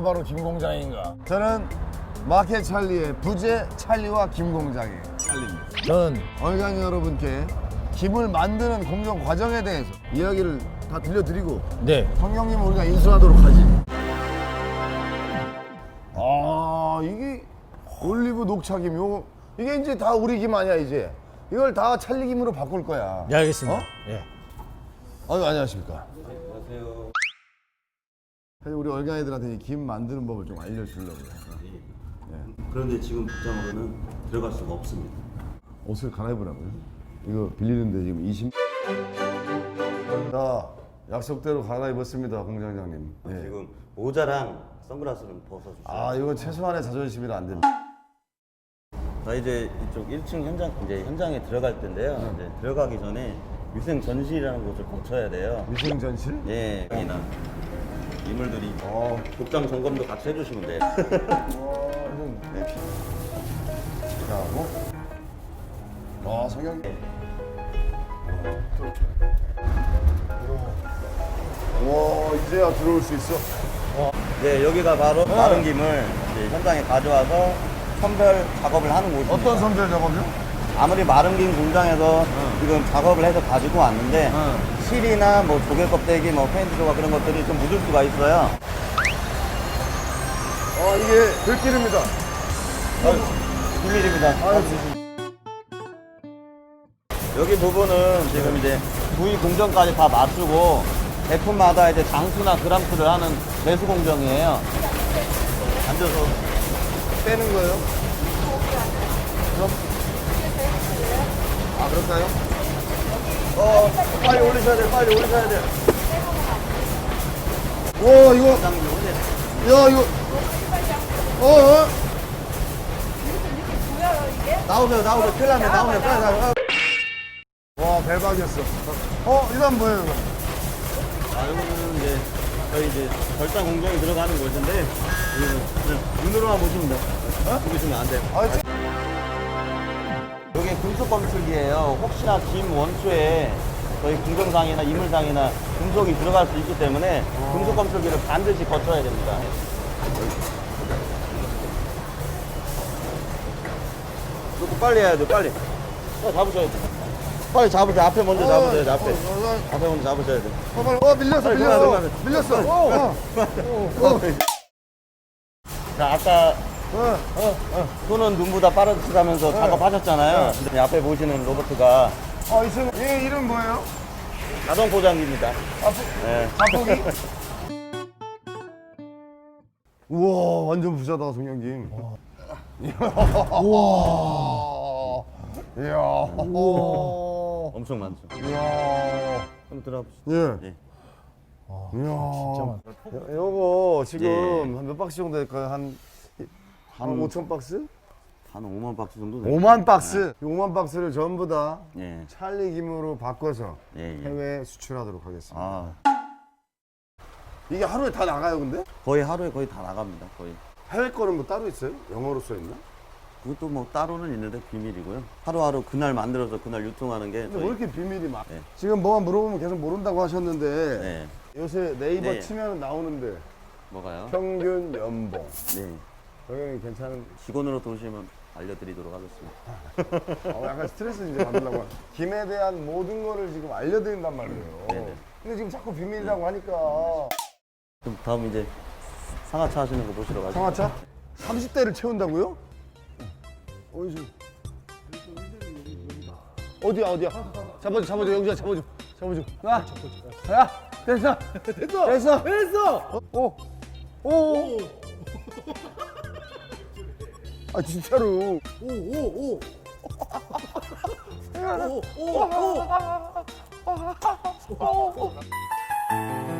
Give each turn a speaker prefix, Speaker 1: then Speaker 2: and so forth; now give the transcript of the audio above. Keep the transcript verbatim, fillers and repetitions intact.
Speaker 1: 누가 바로 김 공장인가?
Speaker 2: 저는 마켓 찰리의 부재 찰리와 김 공장의 찰리입니다.
Speaker 1: 저는
Speaker 2: 얼간 여러분께 김을 만드는 공정 과정에 대해서 이야기를 다 들려드리고
Speaker 1: 네.
Speaker 2: 성경님은 우리가 인수하도록 하지. 아 이게 올리브 녹차김 요거 이게 이제 다 우리 김 아니야 이제. 이걸 다 찰리김으로 바꿀 거야.
Speaker 1: 네, 알겠습니다.
Speaker 2: 어?
Speaker 1: 예.
Speaker 2: 아유 안녕하십니까.
Speaker 3: 안녕하세요.
Speaker 2: 사실 우리 얼간 애들한테 이 김 만드는 법을 좀 알려주려고요.
Speaker 3: 그런데 지금 복장으로는 들어갈 수가 없습니다.
Speaker 2: 옷을 갈아입으라고요? 이거 빌리는데 지금 이십. 자 약속대로 갈아입었습니다 공장장님. 예.
Speaker 3: 지금 모자랑 선글라스는 벗어주세요.
Speaker 2: 아 이건 최소한의 자존심이라 안 됩니다.
Speaker 3: 자 이제 이쪽 일 층 현장 이제 현장에 들어갈 텐데요. 이제 들어가기 전에 위생 전실이라는 곳을 거쳐야 돼요.
Speaker 2: 위생 전실?
Speaker 3: 예, 여기나 이물들이
Speaker 2: 어.
Speaker 3: 복장 점검도 같이 해주시면 돼요.
Speaker 2: 네. 자 뭐? 아 성형. 와 이제야 들어올 수 있어.
Speaker 3: 네, 여기가 바로 마른 김을 이제 현장에 가져와서 선별 작업을 하는 곳입니다.
Speaker 2: 어떤 선별 작업이요?
Speaker 3: 아무리 마른 김 공장에서 지금 작업을 해서 가지고 왔는데 실이나 뭐 조개 껍데기, 뭐 페인트 조각 그런 것들이 좀 묻을 수가 있어요.
Speaker 2: 아 이게 들기름이다.
Speaker 3: 비밀입니다. 여기 부분은 지금 이제 부위 공정까지 다 맞추고 제품마다 이제 장수나 그람수를 하는 매수 공정이에요. 앉아서
Speaker 2: 빼는 거예요? 그럼? 아 그럴까요?
Speaker 3: 어 빨리 올리셔야 돼, 빨리 올리셔야 돼.
Speaker 2: 와 이거
Speaker 3: 부장님 올려.
Speaker 2: 야 이거 어? 어?
Speaker 3: 나오세요, 나오세요. 큰일 났네, 나오세요, 빨리 나오세요.
Speaker 2: 와 대박이었어. 어 이건 뭐예요 이거?
Speaker 3: 아, 여기는 이제 저희 이제 절단 공정이 들어가는 곳인데 여기는 그냥 눈으로만 보시면 돼요. 어? 보시면 안 돼요.
Speaker 2: 아 지-
Speaker 3: 여기 금속 검출기예요. 혹시나 김 원초에 저희 공정상이나 이물상이나 금속이 들어갈 수 있기 때문에 금속 검출기를 반드시 거쳐야 됩니다. 조금 빨리 해야 돼, 빨리. 빨리 잡으셔야 돼. 빨리 잡으세요. 앞에 먼저 잡으셔야 돼, 앞에.
Speaker 2: 어, 어,
Speaker 3: 앞에 먼저 잡으셔야 돼.
Speaker 2: 어, 빨리. 어 밀렸어
Speaker 3: 빨리
Speaker 2: 밀렸어
Speaker 3: 들어가, 들어가.
Speaker 2: 밀렸어. 어, 어, 어.
Speaker 3: 자, 아까
Speaker 2: 어.
Speaker 3: 손은 눈보다 빠르시다면서 작업하셨잖아요. 근데 앞에 보시는 로봇가
Speaker 2: 어, 이 친구 얘 이름 뭐예요?
Speaker 3: 자동 포장기입니다. 네.
Speaker 2: 자폭이? 우와 완전 부자다 송영김. 우와. 이야. 우와.
Speaker 3: 엄청 많죠.
Speaker 2: 이야.
Speaker 3: 한번 들어가 보시죠.
Speaker 2: 예.
Speaker 3: 예.
Speaker 2: 이야.
Speaker 1: 진짜 많다.
Speaker 2: 요- 요거 지금
Speaker 3: 예.
Speaker 2: 한 몇 박스 정도 될까요? 한, 한
Speaker 3: 한-
Speaker 2: 오천 박스?
Speaker 3: 한 오만 박스 정도 돼요.
Speaker 2: 오만 박스. 이 오만 박스를 전부 다
Speaker 3: 예.
Speaker 2: 찰리 김으로 바꿔서
Speaker 3: 예, 예.
Speaker 2: 해외에 수출하도록 하겠습니다.
Speaker 3: 아,
Speaker 2: 이게 하루에 다 나가요, 근데?
Speaker 3: 거의 하루에 거의 다 나갑니다. 거의.
Speaker 2: 해외 거는 뭐 따로 있어요? 영어로 써 있나?
Speaker 3: 그것도 뭐 따로는 있는데 비밀이고요. 하루하루 그날 만들어서 그날 유통하는 게
Speaker 2: 근데
Speaker 3: 저희.
Speaker 2: 왜 이렇게 비밀이 많아?
Speaker 3: 네.
Speaker 2: 지금 뭐만 물어보면 계속 모른다고 하셨는데
Speaker 3: 네.
Speaker 2: 요새 네이버
Speaker 3: 네.
Speaker 2: 치면 나오는데
Speaker 3: 뭐가요?
Speaker 2: 평균 연봉
Speaker 3: 네.
Speaker 2: 당연히 괜찮은.
Speaker 3: 직원으로 도우시면 알려드리도록 하겠습니다.
Speaker 2: 어, 약간 스트레스 이제 받으려고. 김에 대한 모든 거를 지금 알려드린단 말이에요.
Speaker 3: 네네.
Speaker 2: 근데 지금 자꾸 비밀이라고 하니까.
Speaker 3: 그럼 다음 이제 상하차 하시는 거 보시러 가시죠.
Speaker 2: 상하차? 삼십 대를 채운다고요? 어디서? 어디야 어디야? 잡아줘 잡아줘 영주야 잡아줘 잡아줘. 야, 야 됐어 됐어 됐어 됐어. 오, 오, 오. 아 진짜로. 오, 오, 오. 오, 오, 오.